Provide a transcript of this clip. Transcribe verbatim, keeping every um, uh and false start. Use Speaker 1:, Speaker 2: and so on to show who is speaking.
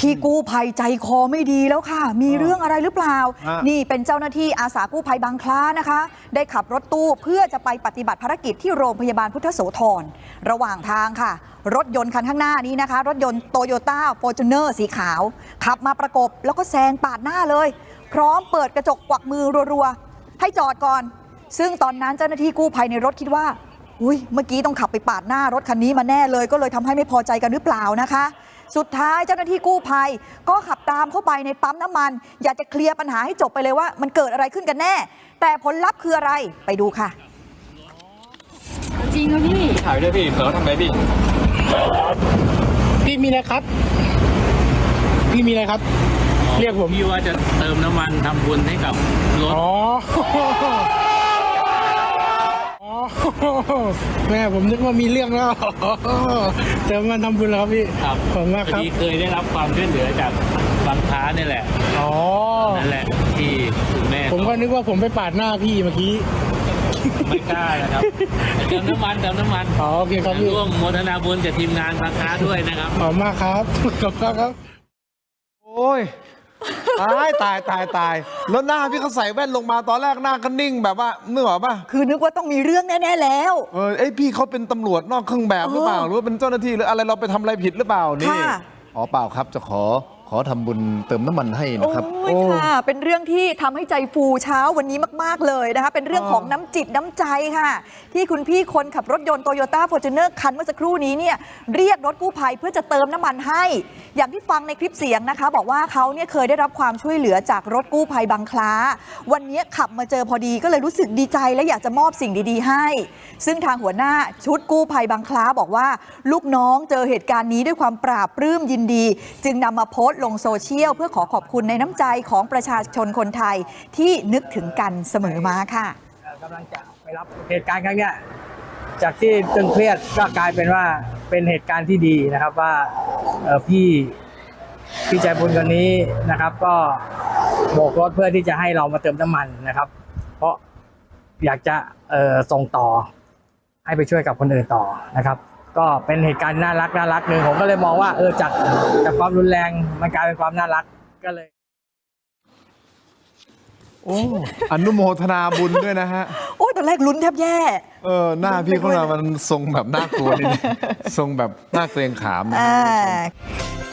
Speaker 1: พี่กู้ภัยใจคอไม่ดีแล้วค่ะมีเรื่องอะไรหรือเปล่านี่เป็นเจ้าหน้าที่อาสากู้ภัยบางคล้านะคะได้ขับรถตู้เพื่อจะไปปฏิบัติภารกิจที่โรงพยาบาลพุทธโสธรระหว่างทางค่ะรถยนต์คันข้างหน้านี้นะคะรถยนต์โตโยต้าฟอร์จูเนอร์สีขาวขับมาประกบแล้วก็แซงปาดหน้าเลยพร้อมเปิดกระจกกวักมือรัวๆให้จอดก่อนซึ่งตอนนั้นเจ้าหน้าที่กู้ภัยในรถคิดว่าอุ้ยเมื่อกี้ต้องขับไปปาดหน้ารถคันนี้มาแน่เลยก็เลยทำให้ไม่พอใจกันหรือเปล่านะคะสุดท้ายเจ้าหน้าที่กู้ภัยก็ขับตามเข้าไปในปั๊มน้ำมันอยากจะเคลียร์ปัญหาให้จบไปเลยว่ามันเกิดอะไรขึ้นกันแน่แต่ผลลัพธ์คืออะไรไปดูค่ะ
Speaker 2: จริงครับพี่
Speaker 3: ถ่ายด้วยพี่เผลอทำไมพี่
Speaker 4: พี่มีอะไรครับพี่มีอะไรครับเรียกผม
Speaker 2: พี่ว่าจะเติมน้ำมันทำบุญให้กับรถ
Speaker 4: อ๋อแม่ผมนึกว่ามีเรื่องแล้วเติมมันทำบุญแล้วครับพี่
Speaker 2: ครับ
Speaker 4: ขอบคุณมากครับ
Speaker 2: พี่เคยได้รับความช่วยเหลือจากบางค้านี่แหละ
Speaker 4: อ๋อ
Speaker 2: นั่นแหละที่คุณแม่
Speaker 4: ผมก็นึกว่าผมไปปาดหน้าพี่เมื่อกี้
Speaker 2: ไม่กล้านะครับเติมน้ำมันเติมน้ำมัน
Speaker 4: อ๋อโอเคครับพี่
Speaker 2: ร่วมโมทนาบุญกับทีมงานบางค้าด้วยนะครับ
Speaker 4: ขอบคุณมากครับขอบคุณครับ
Speaker 5: โอ้ยตายตายตายตายแล้วหน้าพี่เขาใส่แว่นลงมาตอนแรกหน้าก็นิ่งแบบว่านึกออกป่ะ
Speaker 1: คือนึกว่าต้องมีเรื่องแน่ๆแล้ว
Speaker 5: เออไอพี่เขาเป็นตำรวจนอกเครื่องแบบหรือเปล่าหรือว่าเป็นเจ้าหน้าที่หรืออะไรเราไปทำอะไรผิดหรือเปล่านี่อ๋อเปล่าครับจะขอขอทำบุญเติมน้ำมันให้นะครับ
Speaker 1: โอ้ยค่ะเป็นเรื่องที่ทำให้ใจฟูเช้าวันนี้มากๆเลยนะคะเป็นเรื่องของน้ำจิตน้ำใจค่ะที่คุณพี่คนขับรถยนต์โตโยต้าฟอร์จูเนอร์คันเมื่อสักครู่นี้เนี่ยเรียกรถกู้ภัยเพื่อจะเติมน้ำมันให้อย่างที่ฟังในคลิปเสียงนะคะบอกว่าเขาเนี่ยเคยได้รับความช่วยเหลือจากรถกู้ภัยบางคล้าวันนี้ขับมาเจอพอดีก็เลยรู้สึกดีใจและอยากจะมอบสิ่งดีๆให้ซึ่งทางหัวหน้าชุดกู้ภัยบางคล้าบอกว่าลูกน้องเจอเหตุการณ์นี้ด้วยความปราบปลื้มยินดีจึงนำมาโพสต์ลงโซเชียลเพื่อขอขอบคุณในน้ำใจของประชาชนคนไทยที่นึกถึงกันเสมอมาค่ะ
Speaker 6: กำลังจะไปรับเหตุการณ์ครั้งนี้จากที่ตึงเครียดก็กลายเป็นว่าเป็นเหตุการณ์ที่ดีนะครับว่าพี่พี่ใจบุญคนนี้นะครับก็โบกรถเพื่อที่จะให้เรามาเติมน้ำมันนะครับเพราะอยากจะส่งต่อให้ไปช่วยกับคนอื่นต่อนะครับก็เป็นเหตุการณ์น่ารักน่ารักหนึ่งผมก็เลยมองว่าเออจากจากความรุนแรงมันกลายเป็นความน่ารักก็เลย
Speaker 5: โอ้อนุโมทนาบุญด้วยนะฮะ
Speaker 1: โอ้ยตอนแรกลุ้นแทบแย่
Speaker 5: เออหน้าพี่เขามันทรงแบบน่ากลัวนิดทรงแบบน่าเกรงขามนะ